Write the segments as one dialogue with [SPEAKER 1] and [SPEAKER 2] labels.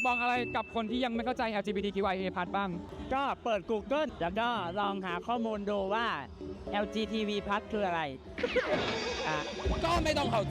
[SPEAKER 1] บอกอะไรกับคนที่ยังไม่เข้าใจ LGBTQIA+ บ้าง
[SPEAKER 2] ก็เปิด Google แล้วก็ลองหาข้อมูลดูว่า LGTB+ คืออะไร
[SPEAKER 3] ก็ไม่ต้องเข้าใจ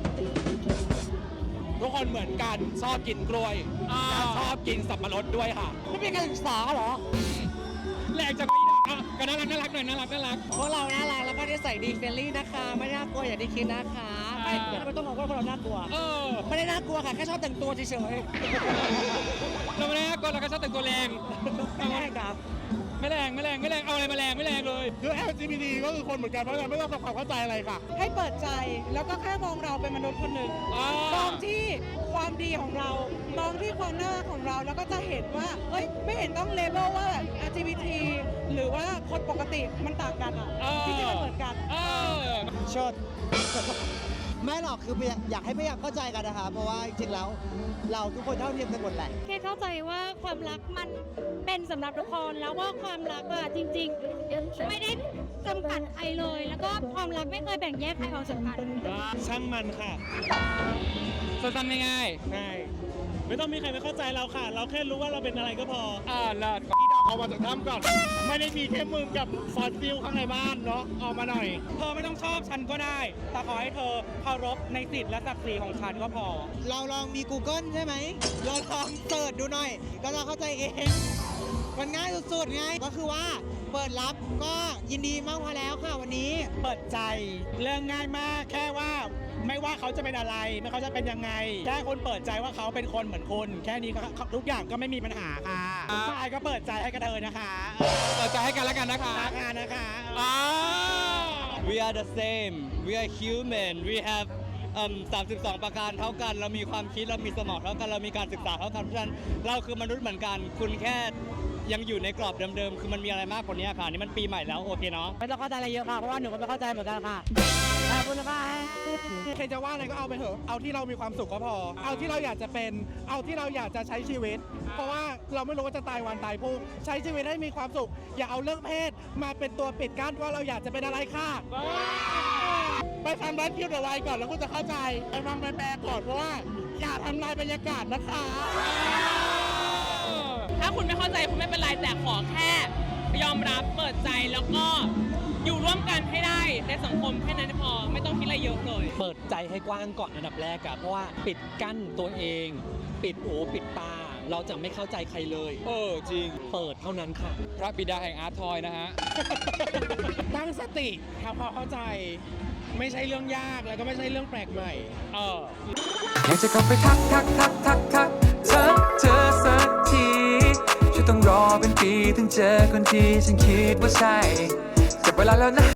[SPEAKER 3] ทุกคนเหมือนกันชอบกินกล้วยชอบกินสับปะรดด้วยค่ะไม่เป็นการศึกษาเหรอ
[SPEAKER 1] แหลกจากก็น่ารักหน่อยน่ารัก
[SPEAKER 2] พวกเราน่ารักแล้วก็นิสัยดีเฟรนลี่นะคะไม่น่ากลัวอย่างที่คิดนะคะไม่ต้องมองว่าพวกเราน่ากลัวไม่ได้น่ากลัวค่ะแค่ชอบแต่งตัวเฉย
[SPEAKER 1] ๆเราไม่ได้น่ากลัวเราก็ชอบแต่งตัวแรง
[SPEAKER 2] ไม่แรงครับ
[SPEAKER 1] ไม่แรงเอาอะไรมาแรงไม่แรงเลย
[SPEAKER 3] คือ LGBT ก็คือคนเหมือนกันเพราะฉะนั้นไม่ต้องทำความเข้าใจอะไรค่ะ
[SPEAKER 4] ให้เปิดใจแล้วก็แค่มองเราเป็นมนุษย์คนหนึ่งมองที่ความดีของเรามองที่ความน่ารักของเราแล้วก็จะเห็นว่าเฮ้ยไม่เห็นต้องเลเวลว่า LGBT หรือว่าคนปกติมันต่างกันอ่ะที่จริงมันเหมือนกัน
[SPEAKER 2] ชดไม่หรอกคืออยากให้พยายามเข้าใจกันนะคะเพราะว่าจริงๆแล้วเราทุกคนเท่าเทียมกันหมดแหละ
[SPEAKER 5] แค่เข้าใจว่าความรักมันเป็นสำหรับทุกคนแล้วว่าความรักอะจริงๆไม่ได้จำกัดใครเลยแล้วก็ความรักไม่เคยแบ่งแยกใครออกจากกัน
[SPEAKER 3] ช่างมันค่ะ
[SPEAKER 1] สั้นๆง่าย
[SPEAKER 3] ๆใช่ไม่ต้องมีใครไปเข้าใจเราค่ะเราแค่รู้ว่าเราเป็นอะไรก็พอ
[SPEAKER 1] เลิศ
[SPEAKER 3] พี่ดอกออกมาจากถ้ำก่อนไม่ได้มีแค่มึงกับฟอสซิลข้างในบ้านเนาะออกมาหน่อย
[SPEAKER 1] เธอไม่ต้องชอบฉันก็ได้แต่ขอให้เธอเคารพในสิทธิและศักดิ์ศรีของฉันก็พอ
[SPEAKER 2] เราลองมี Google ใช่ไหมเราลองเสิร์ชดูหน่อยก็จะเข้าใจเองมันง่ายสุดๆไงก็คือว่าเปิดรับก็ยินดีมากพอแล้วค่ะวันนี้
[SPEAKER 3] เปิดใจเรื่องง่ายมากแค่ว่าไม่ว่าเขาจะเป็นอะไรไม่เขาจะเป็นยังไงแค่คนเปิดใจว่าเขาเป็นคนเหมือนคุณแค่นี้ทุกอย่างก็ไม่มีปัญหาค่ะผู้ชายก็เปิดใจให้กระเทยนะคะ
[SPEAKER 1] เปิดใจให้กันแล้วกันนะคะ
[SPEAKER 6] We are the same we are human we have 32 ประการเท่ากันเรามีความคิดเรามีสมองเท่ากันเรามีการศึกษาเท่ากันเพราะฉะนั้นเราคือมนุษย์เหมือนกันคุณแค่ยังอยู่ในกรอบเดิมๆคือมันมีอะไรมากกว่านี้ค่ะนี่มันปีใหม่แล้วโอเคเนาะ
[SPEAKER 2] ไม่ต้องเข้าใจอะไรเยอะค่ะเพราะว่าหนูก็ไม่เข้าใจเหมือนกันค่ะขอบคุณค่ะ
[SPEAKER 3] ใครจะว่าอะไรก็เอาไปเถอะเอาที่เรามีความสุขก็พอเอาที่เราอยากจะเป็นเอาที่เราอยากจะใช้ชีวิตเพราะว่าเราไม่รู้ว่าจะตายวันตายพรุ่งใช้ชีวิตให้มีความสุขอย่าเอาเรื่องเพศมาเป็นตัวปิดกั้นว่าเราอยากจะเป็นอะไรค่ะไปทำร้านคิวเดอะไวก่อนแล้วคุณจะเข้าใจไปฟังไปแปลก่อนเพราะว่าอย่าทำลายบรรยากาศนะคะ
[SPEAKER 7] ถ้าคุณไม่เข้าใจคุณไม่เป็นไรแต่ขอแค่ยอมรับเปิดใจแล้วก็อยู่ร่วมกันให้ได้ในสังคมแค่นั้นพอไม่ต้องคิดอะไรเยอะเลย
[SPEAKER 8] เปิดใจให้กว้างก่อนอันดับแรกอะเพราะว่าปิดกั้นตัวเองปิดหูปิดตาเราจะไม่เข้าใจใครเลย
[SPEAKER 1] จริง
[SPEAKER 8] เปิดเท่านั้นค่ะ
[SPEAKER 1] พระบิดาแห่งอาร์ตทอยนะฮะ
[SPEAKER 3] ตั้งสติทำความเข้าใจไม่ใช่เรื่องยากแล้วก็ไม่ใช่เรื่องแปลกใหม่
[SPEAKER 9] อยากจะเข้าไปทักเธอสักทีฉันต้องรอเป็นปีถึงเจอคนที่ฉันคิดว่าใช่เสร็จเวลาแล้วนะ